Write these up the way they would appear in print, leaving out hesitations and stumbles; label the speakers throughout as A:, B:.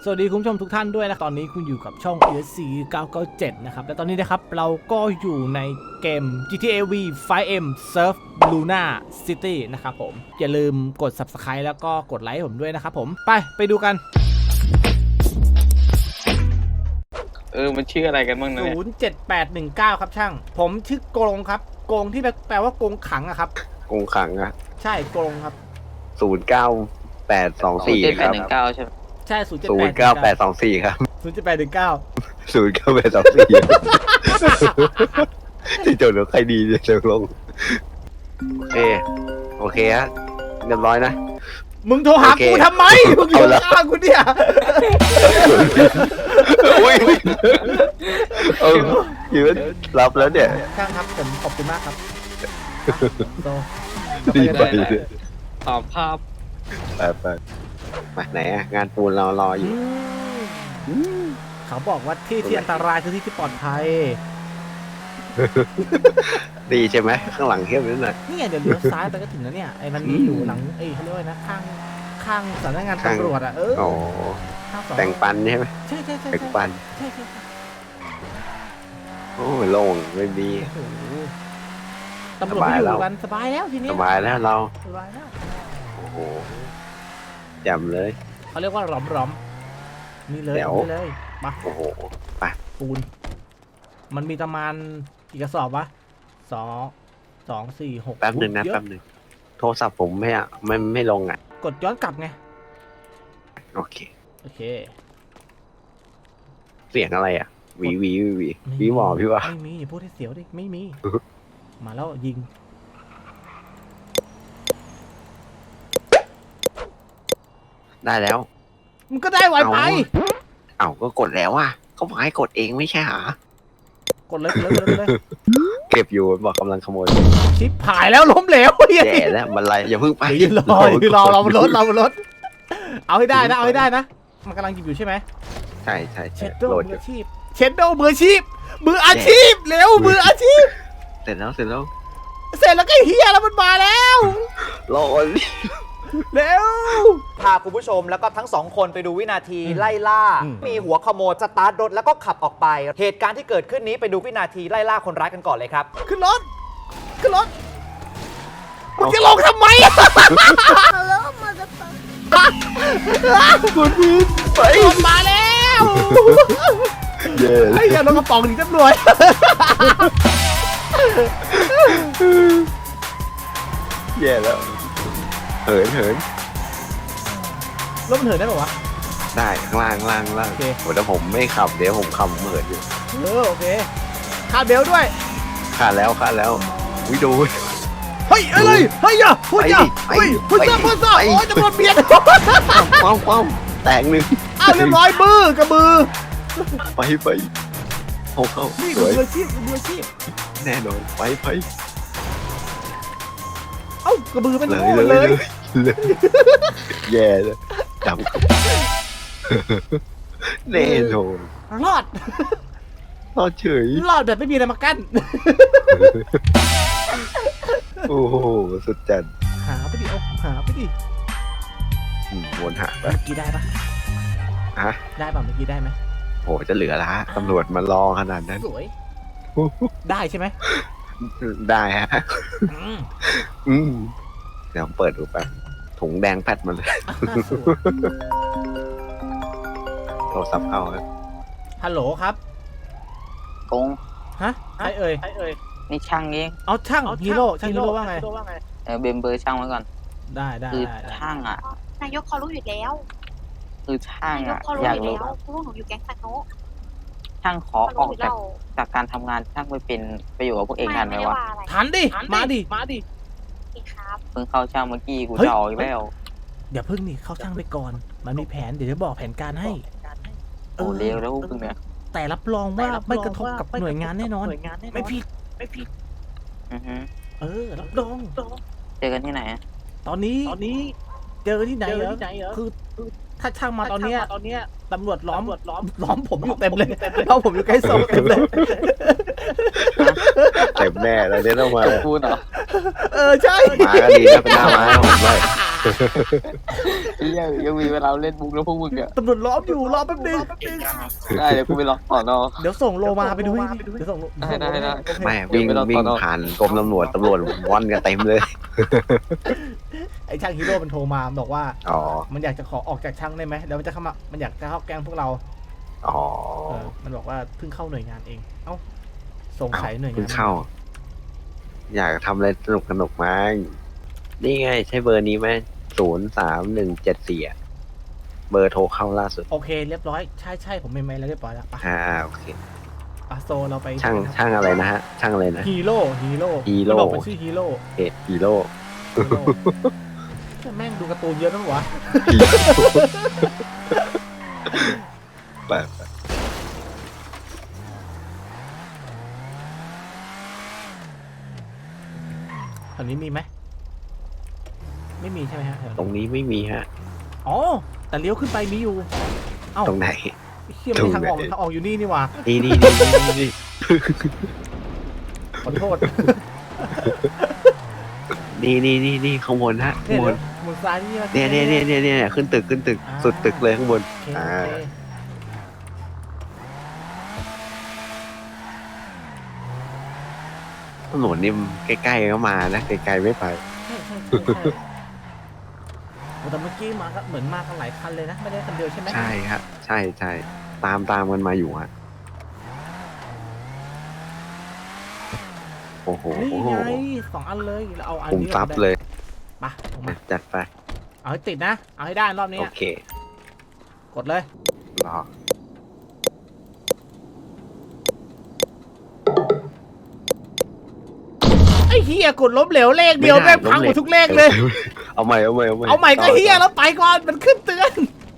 A: สวัสดีคุณผู้ชมทุกท่านด้วยนะตอนนี้คุณอยู่กับช่อง ESC 997 นะครับและตอนนี้นะครับเราก็อยู่ในเกม GTA V 5M Surf Luna City นะครับผมอย่าลืมกด Subscribe แล้วก็กดไลค์ผมด้วยนะครับผมไปดูกัน
B: มันชื่ออะไรกันบ้างนะ
A: 07819 ครับช่างผมชื่อโกงครับโกงที่แปลว่าโกงขังอะครับ
C: กงขังอะ
A: ใช่โกงครับ
C: 09824 ครับ
B: 789ใช่ไหม
A: ใช่
C: 09824 ครับ
A: 07819
C: 09824 ที่โจทย์ใครดีเนี่ยเชิงลงโอเคฮะเรียบร้อยนะ
A: มึงโทรหากูทำไมมึงอยู่ข้างกูเนี่ย
C: อุ้ยอยู่รับแล้วเนี่ย
A: ช่างครับผมขอบคุณมากครับโต
C: ดีไป
B: ตอบภาพ
C: ไปมาไหนอะงานปูนเรารออยู่
A: เขาบอกว่าที่อันตรายคือที่ที่ปลอดภัย
C: ดีใช่ไหมข้างหลังเข้มนิดหน่อย
A: นี่ไงเดี๋ยวเลี้ยวซ้ายไปก็ถึงแล้วเนี่ยไอ้มันมีอยู่หลังเขาเรียกว่านะข้างสำนักงานตำรวจอ่ะ
C: อ๋อ
A: ข้างสอง
C: แต่งปันใช่ไหม
A: ใช่ใช่
C: แต่งปัน
A: ใช่
C: โอ้ยโล่งไม่มี
A: โอ้โหตำรวจไม่อยู่กันสบายแล้วทีนี้
C: สบายแล้วเรา
A: สบายแล้ว
C: โอ้โหแจ่มเลย
A: เขาเรียกว่าหลอมนี่เลย
C: เดี๋ยว
A: นี่เลยมา
C: โอ้โห
A: ปูนมันมีประมาณกี่กระสอบวะ2 4 6
C: แป๊บหนึ่งนะ
A: เยอ
C: แป๊บหนึ่งโทรศัพท์ผมไม่ลงอ่ะ
A: กดย้อนกลับไง
C: โอเค
A: โอเค
C: เสียงอะไรอ่ะหวี
A: ไม่มี
C: หมอพี่วะ
A: ไม่มีอย่าพูดให้เสียวดิไม่มี มาแล้วยิง
C: ได้แล้ว
A: มันก็ได้ไวไป
C: เอาก็กดแล้วอ่ะเขาบอกให้กดเองไม่ใช่หรอก
A: ดเลย
C: เก็บอยู่บอกกำลังขโมย
A: ชิปหายแล้วล้มเหลวเฮีย
C: แย่แล้วมันไรอย่าเพิ่งไป
A: ยืนรอเราบนรถเอาให้ได้นะมันกำลังหยิบอยู่ใช่ไหม
C: ใช่
A: เชดโด
C: โหลด
A: มื
C: อ
A: อยู่ อาชีพเชดโดมืออาชีพเร็วมืออาชีพ
C: เสร็จแล้ว
A: เสร็จแล้วก็เฮียแล้วมันมาแล้ว
C: โหลด
A: เร็ว
D: พาคุณผู้ชมแล้วก็ทั้งสองคนไปดูวินาทีไล่ล่า มีหัวขโมยสตาร์ทรถแล้วก็ขับออกไป เหตุการณ์ที่เกิดขึ้นนี้ไปดูวินาทีไล่ล่าคนร้ายกันก่อนเลยครับ
A: ขึ้นรถมึงจะลงทำไมอะ
C: คุณพี่ไป
A: รถมาแล้ว
C: เย่
A: ไอ้เหี้ยรถกระป๋องหนีตำรวจ
C: แย่แล้วเหิน
A: รถมันเหินได้ป่าวะ
C: ได้ข้างล่าง
A: โอเค
C: โหแต่ผมไม่ขับเดี๋ยวผมขับเหินอยู่
A: โอเคคาดเบลด้วย
C: ขาดแล้ววิดู
A: เฮ้ยอะไรเฮ้ยอย่าพูดอย่า
C: ไป
A: เฮ้ยพูดซ่า
C: ไป
A: โอ้ยตำรวจเบียด
C: ป้อมแตกหนึ่ง
A: อ้าวเรียบร้อยมือกระบือ
C: ไปเข้า
A: นี่
C: ส
A: คือ
C: วย
A: มืออาชีพ
C: แน่นอนไป
A: เอ้ากระบือเป็น
C: เลย
A: โง่เลย
C: แย่เลยดำแน่นอน
A: รอด
C: รอดเฉย
A: รอดแบบไม่มีอะไรมากั้น
C: โอ้โหสุดจัด
A: หาไปดิ
C: วนหาไป
A: เมื่อกี้ได้ปะ
C: ฮะ
A: ได้ป่ะเมื่อกี้ได้ไหม
C: โหจะเหลือละตำรวจมารอขนาดนั้น
A: สวยได้ใช่ไหม
C: ได้ฮะ
A: อืม
C: เดี๋ยวผมเปิดดูแป๊บถุงแดงแพทมาเลย
A: สวย
C: โทรศัพท์เข้าครับ
A: ฮัลโหลครับ
B: กง
A: ฮะใครเอ่ย
B: นี่ช่างเอง
A: เอาช่างฮีโร่ช่างฮีโร่ว่าไง
B: เบมเบอร์ช่างไว้ก่อน
A: ได้
B: คือช่างอ่ะ
E: นายกเขารู้อยู่แล้ว
B: คือช่าง
E: นายก
B: อ่ะ
E: เขารู้
B: อยาก
E: อยู่
B: รู้
E: แล้วเพราะว่าหนูอยู่แก๊งตะโนะ
B: ช่างขอ
E: เขา
B: อ
E: รู้
B: อก
E: อยู่แล้ว
B: จากการทำงานช่างไปเป็นไปอยู่กับพวกเองทันไหม
E: ไม่ได้
B: วะ
E: ว่าอะไร
A: ทันดิมาดิ
E: พี่ครับ
B: เพิ่งเข้าช่างเมื่อกี้กู
A: เฮ้ย
B: จะออกอีกแล้ว
A: อย่าพึ่งนี่เข้าช่างไปก่อน มันมีแผนเดี๋ยวจะบอกแผนการให้
B: โอ้เร็วแล้วพวกเนี่ย
A: แต่รับรองว่าไม่กระทบกับหน่วยงานแน่นอน ไม่ผิด
B: อือฮึ
A: รับรอง
B: เจอกันที่ไหนอะ
A: ตอนนี้เจอที่ไหนเหรอคือถ้าช่างมาตอนเนี้ยตำรวจล้อมผมอยู่เต็มเลยเพราะผมอยู่ใกล้ศพเต็มเลย
C: เต็มแน่แล้วเนี่ยต้องมา
B: พูดเหรอ
A: ใช่
C: มาก็ดีนะเป็นหน้าม้าผมด้วยยังมีเวลาเล่นมุกแล้วพวกมึงอ่ะ
A: ตำรวจล้อมอยู่รอแป๊บนึง
C: ได้เดี๋ยวกูไปรอต่อนอ
A: เดี๋ยวส่งโลมาไปดูให้ดิเดี๋ยวส่งโล
C: ได้
A: โอเค
C: ไม่วิ่งผ่านกรมตำรวจว่อนกันเต็มเลย
A: ไอ้ช่างฮีโร่มันโทรมาบอกว่า
C: อ๋อ
A: มันอยากจะขอออกจากช่างได้ไหมเดี๋ยวมันจะเข้ามามันอยากจะเข้าแก๊งพวกเรา
C: อ๋อ
A: มันบอกว่าเพิ่งเข้าหน่วยงานเองเอ้าสงสัยหน่วยงาน
C: เพิ่งเข้า อยากทำอะไรสนุกมั้งนี่ไงใช่เบอร์นี้ไหม03174เบอร์โทรเข้าล่าสุด
A: โอเคเรียบร้อยใช่ผมเมมไว้แล้วเรียบร้อยแล้วไป
C: โอเค
A: โซเราไป
C: ช่างอะไรนะฮะ ช่างอะไรนะ
A: ฮีโร่มันบอกเป็นชื่อฮีโร่
C: ฮีโร่
A: แม่งดูการ์ตูนเยอะนะวะ
C: แบบ
A: แถวนี้มีไหมไม่มีใช่ไหมฮะแถว
C: ตรงนี้ไม่มีฮะ
A: อ๋อแต่เลี้ยวขึ้นไปมีอยู่เอ้า
C: ตรงไหน
A: เชี่ยไม่ทางออกทางออกอยู่นี่นี่หว่า
C: นี่
A: ขอโทษ
C: นี่ข้างบนฮะข้างบน
A: มุนซ้ายนี่
C: เนี่ยขึ้นตึกสุดตึกเลยข้างบน
A: โอเค
C: ถนนนี่ใกล้ๆก็มานะไกลๆไม่ไป
A: ใช่แต่เมื่อกี้มาก็เหมือนมากันหลายคันเลยนะไม่ได้คันเดียวใช่ไหม
C: ใช่ครับใช่ตามกันมาอยู่ฮะโอ้โห
A: นี่ไง2 อันเลยเราเอาอัน
C: คุม
A: นี้
C: ทรัพย์เลย
A: มาออกมา
C: จัดไป
A: เอาให้ติดนะเอาให้ได้รอบนี้
C: โอเค
A: กดเลย
C: รอ
A: ไอ้เฮียกดล้มเหลวเลขเดียวแม่งพังหมดทุกเลขเลย
C: เอาใหม่
A: เอาใหม่ก็เฮียแล้วไปก่อนมันขึ้นเตือน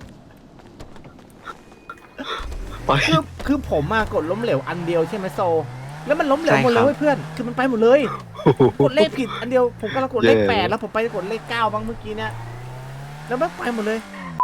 C: ไป
A: คือผมมากดล้มเหลวอันเดียวใช่ไหมโซ แล้วมันล้มเหลวหมดเลยเว้ยเพื่อนคือมันไปหมดเลย กดเลขผิดอันเดียวผมกำลังกดเลข8แล้วผมไปกดเลข9บ้างเมื่อกี้เนี่ยแล้วมันไปหมดเลย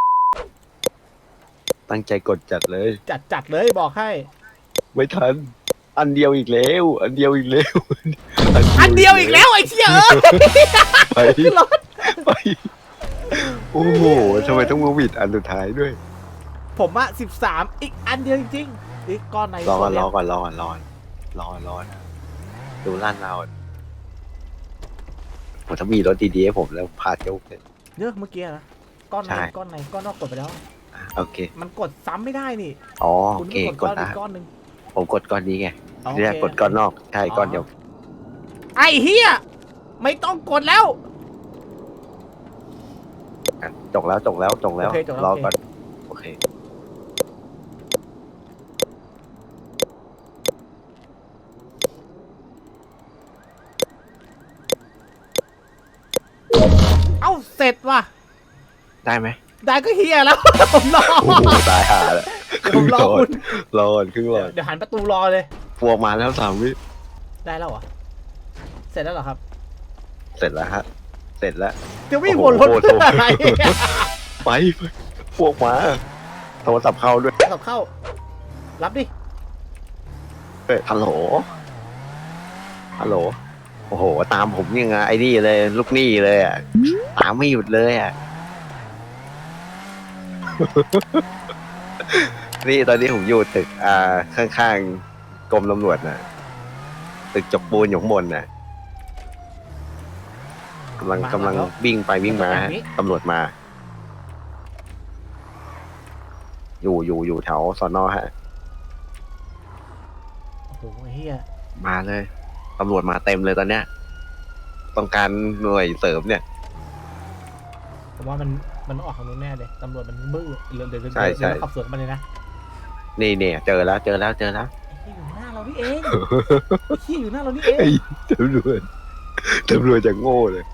C: ตั้งใจกดจัดเลย
A: จัดเลยบอกให้
C: ไม่ทัน อันเดียวอีกแล้ว
A: อันเดียวอีกแล้วไอ้เชี่ยเอ้ย
C: ไปไปโอ้โหทำไมต้องมาหวิดอันสุดท้ายด้วย
A: ผมอะ13อีกอันเดียวจริงๆอีกก้อนไหน
C: รอก่อน
A: โซเลียม
C: ดูร้านเราผมถ้ามีรถดีๆให้ผมแล้วพาเที่ยวเลย
A: เยอะเมื่อกี้นะก้อนไหน
C: ใช่
A: ก้อนนอกกดไปแล้ว
C: โอเค
A: มันกดซ้ำไม่ได้นี่
C: อ๋อ
A: คุ
C: โอ
A: ณ
C: เค
A: ต้อง
C: ก
A: ก
C: ด
A: ดก้อน
C: นะ
A: อีกก้อนหนึ่ง
C: ผมกดก้อนนี้ไง
A: โอเค
C: เรียกกดก้อนนอกใช่ก้อนเดียว
A: ไอ้เฮียไม่ต้องกดแล้ว
C: จกแล้ว
A: โอเคจบแล้ว
C: รอก่อนโอเค
A: เอ้าเสร็จว่ะ
C: ได้ไหม
A: ได้ก็เฮียแล้ว ผมรอ
C: โอ้โหตายห่าแล้ว
A: เดี๋ยวผมรอคุณ
C: รอก่อนครึ่งหลอด
A: เดี๋ยวหันประตูรอเลย
C: พวกมาแล้ว3 วิ
A: ได้แล้วเหรอเสร็จแล้วเหรอครับ
C: เสร็จแล้วฮะ เสร็จแล้ว
A: จะวิ่งวนรถ
C: โอ้โห
A: เพื่ออะไร
C: ไปพวกมาโทรศัพท์เข้าด้วย
A: ขับเข้า รับดิ
C: ฮัลโหลโอ้โหตามผมยังไงไอ้นี่เลยลูกหนี้เลยอ่ะตามไม่หยุดเลยอ่ะ นี่ตอนนี้ผมอยู่ตึกข้างๆกรมตำรวจน่ะ ตึกจกปูนอยู่ข้างบนน่ะกำลังวิ่งไปวิ่งมาฮะตำรวจมา อยู่แถวสนฮะ
A: โอ้โหเฮีย
C: มาเลยตำรวจมาเต็มเลยตอนเนี้ย ต้องการหน่วยเสริมเนี่ย
A: ผมว่ามันออกทางนู้นแน่เลยตำรวจมันมืดเดี๋ยว
C: ใช่ใช่
A: เราขับสวนกันมาเลยนะ
C: นี่เนี่ยเจอแล้ว
A: ไอ้เฮียอยู่หน้าเรานี่เองไอ้เฮียอยู่หน้าเรานี่เอง
C: ไอ้ตำรวจจะโง่เลย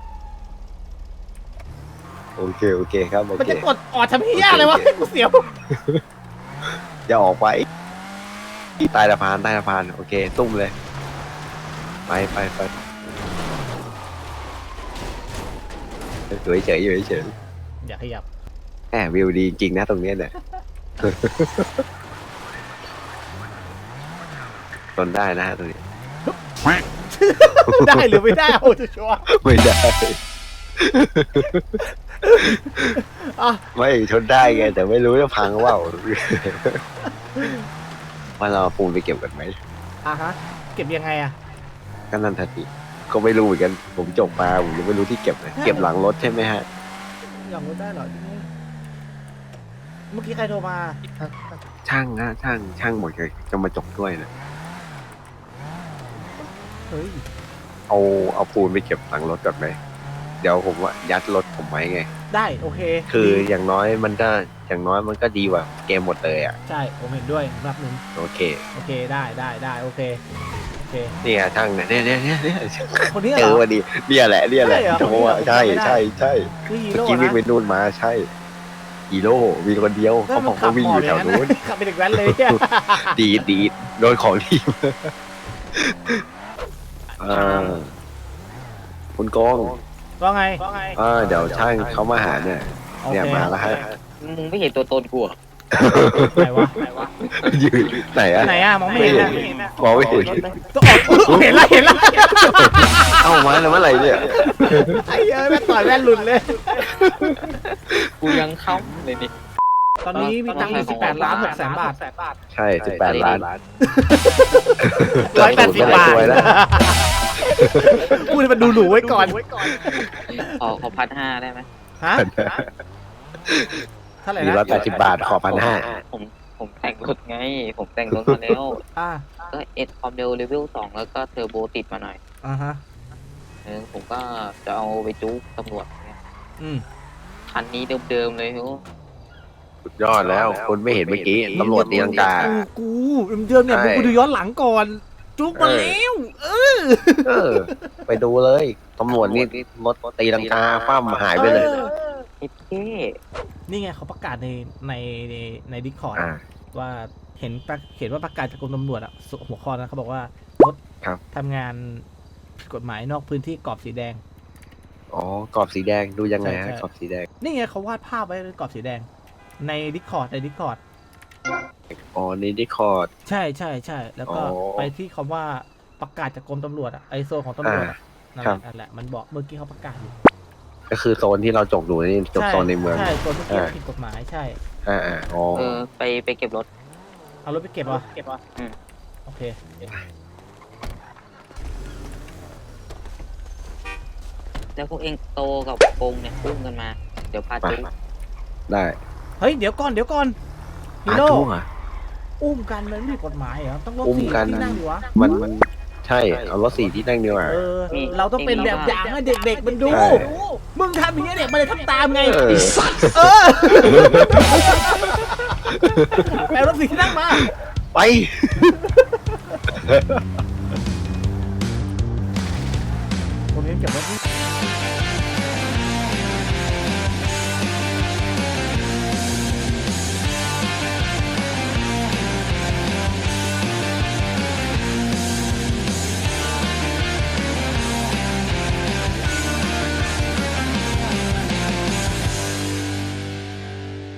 C: โอเคครับโอ
A: มัน
C: เค
A: จะกดออดทำเฮียอะไรวะ
C: โอเค
A: กูเสียว
C: อย่าออกไปใต้สะพานโอเคตุ้มเลย ไปอยู่เฉยๆ
A: อย่าขยับ
C: แหมวิวดีจริงนะตรงเนี้ยเนี่ย ทนได้นะฮะตรงนี้
A: ได้หรือไม่ได้โอ้จะชัวร์
C: ไม่ได้
A: อ่ะ
C: ไม่ชนได้ไง แต่ไม่รู้จะพังว่าว่าเราเอาปูนไปเก็บกันไหม
A: อ่ะฮะเก็บยังไงอ่ะ
C: ก็นั่นทันทีก็ไม่รู้เหมือนกันผมจบมาผมยังไม่รู้ที่เก็บเลยเก็บหลังรถใช่ไหมฮะ
A: อยากรู้ได้เหรอเมื่อกี้ใครโทรมา
C: ช่างนะช่างหมดเลยจะมาจบด้วยนะ
A: เฮ้ย
C: เอาปูนไปเก็บหลังรถก่อนไหมเดี๋ยวผมว่ายัดรถผมไว้ไง
A: ได้โอเค
C: คือ
A: ดี
C: อย่างน้อยมันก็ดีกว่าเกมหมดเลยอ่ะ
A: ใช่ผมเห็นด้วยรับหนึ่ง
C: โอเค
A: โอเคได้โอเคโอเค
C: เนี่ยช่างเนี่ย
A: คนนี้
C: เจ
A: เหร
C: อ
A: อ
C: พอดีเนี่ยแหละ
A: ใช่เหรอ
C: โอ้ใช่
A: ไม่ได้
C: ใช่
A: คือฮี
C: เมื่อ
A: โร่
C: กี้วิ่ง
A: นะ
C: ไปนู่นมาใช่ฮีโร่มีคนเดียว
A: ก็
C: เขา
A: มั
C: บอน ก
A: ขับ
C: ว่าวิ่ง
A: หม
C: อ
A: อบ
C: ยู่
A: อ
C: แถ
A: ย่าง
C: ว
A: นั้น
C: นู้น
A: ขับเป็นเด็กแว้นเลยเนี่ย
C: ดีโดนของทีมคุณโกง
A: ว่าไง
C: เดี๋ยวช่างเขามาหาเนี่ย
A: โอ
C: เนี่ย
A: เค
C: มาแล้วฮะ
B: มึงไม่เห็นตัวตนกูเหรอ
A: ไหนวะ
C: อยู่ไหนอะ
A: ไหนอะมองไม่เห็นอะ
C: มองไม่เห็น
A: ต้องออกเห็นละ
C: เอ้ามาแล้วเมื่อไหร่เนี่ย
A: ไอ้เอ้ยแม่งต่อยแว่นหลุดเลย
B: กูยังเข้าเลยนี่
A: ตอนนี้มีตังค์อยู่18 ล้าน6 แสนบาท
C: ใช่18 ล้าน
A: 180 บาท
C: สวยแล้ว
A: พูดให้มันดูหรูไว้ก่อน
B: ขอ1,500ได้ไหม
A: ฮะเท่าไหร่
C: มี
A: นะ
C: 180 บาทขอ1,500
B: ผมแต่งรถไง ผมแต่งรถมาแล้ว
A: อ่า
B: ก็เอ็ดความเร็วเลเวล 2 แล้วก็เทอร์โบติดมาหน่อย
A: อ่าฮะ
B: ผมก็จะเอาไปจู๊ตำรวจเนี่ย
A: อืม
B: คันนี้เดิมๆเลยโห
C: สุดยอดแล้วคนไม่เห็นเมื่อกี้ตำรวจตีลังกา
A: กูเดิมเนี่ย
C: ใช่
A: กูดูย้อนหลังก่อน จุกมาแล้ว
C: ไปดูเลยตำรวจนี่รถตีลังกาคว่ำหายไปเลย
B: เอ็ดเท่
A: นี่ไงเขาประกาศในดิสคอร์ด
C: อ่า
A: ว่าเห็นว่าประกาศจากกรมตำรวจอะหัวข้อนะเขาบอกว่ารถ
C: ครับ
A: ทำงานผิดกฎหมายนอกพื้นที่กรอบสีแดง
C: อ๋อกรอบสีแดงดูยังไง
A: ใช่
C: ฮะ
A: ใช่
C: กรอบสีแดง
A: นี่ไงเขาวาดภาพไว้เป็นกรอบสีแดง ในดิสคอร์ด
C: อ๋อในดิคอร์ด
A: ใช่แล้วก็
C: อ๋อ
A: ไปที่คำว่าประกาศจากกรมตำรวจอะไอโซนของตำรวจอะนั่น
C: ครับ
A: นั่นแหละมันบอกเมื่อกี้เขาประกาศอยู่
C: ก็คือโซนที่เราจกดูนี่จกโซนในเมือง
A: ใช่โซนเมื่อกี้
C: อ่า
A: ผิดกฎหมายใช่
C: อ๋อ
B: ไปเก็บรถ
A: เอารถไปเก็บวะ
B: อืม
A: โอเค
B: แล้วพวกเองโตกับโกงเนี่ยอุ้มกันมา เดี๋ยวพาจู๊
C: ได้
A: เฮ้ยเดี๋ยวก่อนฮี
C: อา
A: โร่
C: จุ้งอ่ะ
A: อุ้มกันมันไม่ผิดกฎหมายเหรอต้องรถ
C: อุ้ม
A: สี่
C: กัน
A: ที่นั่งดิวะ
C: มันใช่เอารถ4ที่นั่งดีกว่า
A: เออเราต้องเป็นแบบอย่างให้เด็กๆมันดู
C: ใช่
A: มึงทำอย่างนี้เด็กมันเลยทำตามไง
C: เออ
A: ไอ้สัตว์แปลรถสี่ที่นั่งมา
C: ไป
A: ผมยังเก็บรถนี่